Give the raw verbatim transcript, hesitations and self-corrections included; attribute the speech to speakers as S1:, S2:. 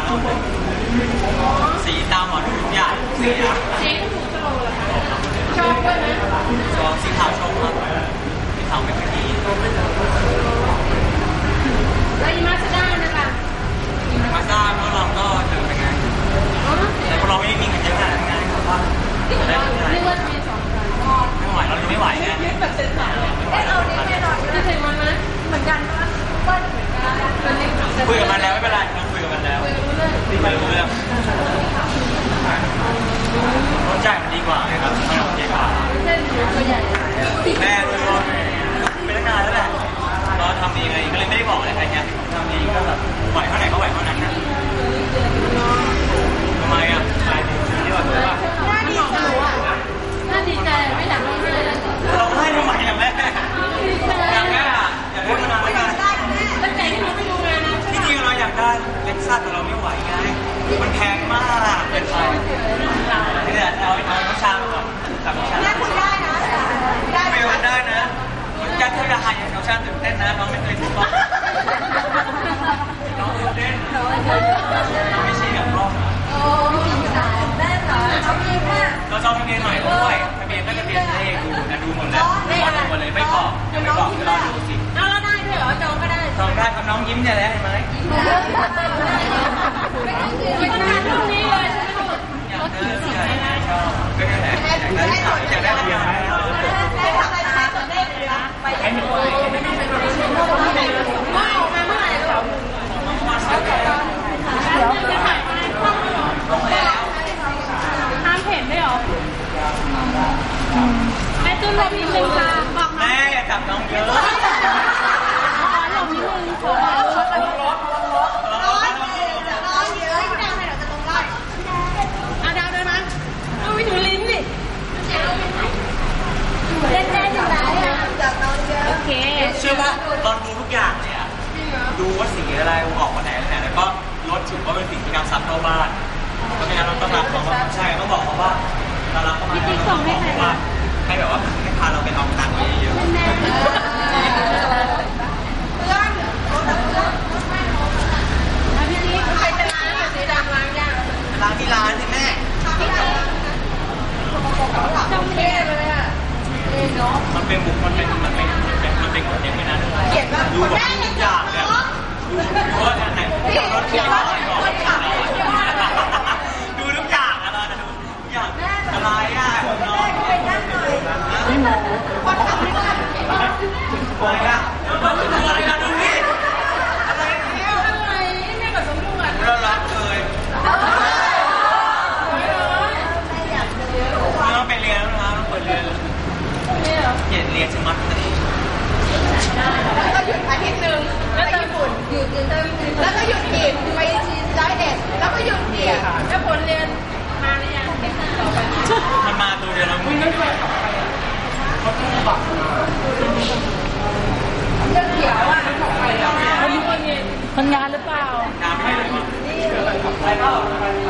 S1: สีตามหมอดูทุกอย่างสีอะ
S2: สีถูกโชว์เหรอคะชอบด้วยนะ
S1: ชอบสีขาวชมครับสีขาวไม่ค่อยดี
S2: แล้วอีมาสด้านะคะ
S1: มาซ่าพวกเราก็เจอเป็นไงแต่พวกเราไม่ได้มีเงินเยอะขนาดนั้นไงครับว่า
S2: นึกว่ามีสอง
S1: ไม่ไหวเราจะไม่ไหวไง
S2: ยึดแบบเซ็นสายเอ๊ะเอานี่แน่นอนจะถึงมันไหมเหมือนกันว่าเปิ้ลเหมือนกัน
S1: คุยกับมันแล้วไม่เป็นไรเราคุยกับมันแล้วไม่รู้เรื่องรสชาติมันดีกว่าไงครับมันโอเคกว่า
S2: เส้นตัวใหญ่
S1: แม่ด้วยก็เป็นนักงานแล้วแหละเราทำเองเลยก็เลยไม่ได้บอกอะไรใครเนี่ยทำเองก็แบบไหวเท่าไหร่ก็ไหวเท่านั้นนะทำไมอ่ะใครที่ว่าตัว
S2: น่าดีใจน่าดีใจไม่อยากร้องเลย
S1: เราให้ทำไมอ่ะแม่อยากแม่อยากได้มานานแล้วกัน
S2: ตั้งแต่ที่เราไม่ดูงานนะ
S1: ที่จริงเราอยากได้เล็กซัสแต่เราไม่ไหวไงมันแพงมากเกินไปนี่แหละเอาเอาน้ำชามาก่อนสั่งน้ำชา
S2: แม่คุณได้นะได้
S1: ไม่วันได้นะจะเท่าราคาอย่างน้ำชาตื่นเต้นนะน้องไม่เคยถูกต้องน้องตื่นเต้นไม่ใช่แบบรอบ
S2: โอ้แม่เหรอเอาเองค่ะ
S1: เราจองทะเบียนใหม่ด้วยทะเบียนก็ทะเบียนเลขดูนะดูหมดแล้วดูหมดเลยไม่บอกยังไม่บอกรอดูสิ
S2: เอาแล้วได้ด้วยเหรอจองก็ได้
S1: จองได้ครับน้องยิ้มเนี่ยแหละเห็นไหม
S2: ไม่ต้องการตรงนี้เลยใช่ไหมลูก
S1: อยากได้ใช่ชอบก็นี่แหละอยากได้อยากได้ทะเบียนไหม
S2: ได้ทำอะไรคะได้เลยนะไปให้หนูไม่ได้เป็นคนที่ชอบเมื่อไหร่เมื่อไหร่ลูกเดี๋ยวจะถ่ายห้ามเห็นได้หรอแม่ตุ้นลมนิดนึงค่ะบอก
S1: แม่อย่าจับน้องเยอะ
S2: อ๋อลมนิดนึงขอร้อนร้อนร้อนร้อนร้อนเยอะดาวให้เราจะตรงได้อ่ะดาวได้ไหมเอาไปถูลิ้นดิเล่นได้ยังไงอ่ะจับน้องเยอะโอเค
S1: เชื่อป่ะตอนดูทุกอย่างเลยอ่ะดูว่าสีอะไรออกมาไหนไหนแล้วก็รถถือว่าเป็นสิ่งที่นำซับเข้าบ้านเพราะฉะนั้นเราต้องรับเขาใช่ต้องบอกเขาว่าเรารับเขามาแล้วต้องบอกเขาว่าให้แบบว่าให้พาเราไปเอาตังค์เยอะๆ
S2: เพื่อนรถเพื่อนพี่นี่ใครจะล้างสีดำล้างยาก
S1: ล้างที่ร้านสิแม่
S2: จำเท่เลยอ่ะ
S1: มันเป็นบุกมันเป็นมันเป็นมันเป็นคนเดียวไม่นานดูแบบทุกอย่างเนี่ยดูดูว่าอันไหนรถเที่ยวอะไรก่อนดูทุกอย่างอะไรนะดูทุกอย่างอะไรอ่ะน้อง
S2: ไปนั่งหน่อยคนขับไม่ได้
S1: อะไรอ่ะอะไรอ่ะดูนี่อะไรเนี่ย
S2: อะไรแม่กับสมบูรณ์
S1: เรารักเลยไม่ต้องไปเรียนแล้วนะต้องเปิดเรียนเรียนเรียนสมัครเลย
S2: แล้วก็หยุดอาทิตย์หนึ่งแล้วไปญี่ปุ่นหยุดแล้วก็หยุดอีกไปร้อยเอ็ดแล้วก็หยุดอีกแล้วผลเรียนมาหรือยังต่อไป
S1: มันมาตัวเดียวแล้วมึงไม่ไปเขาต้องบัก
S2: เรื่องเขียวอ่ะคนงานหรือเปล่าง
S1: านไม่ได้เลยมั้งอะไรเปล่า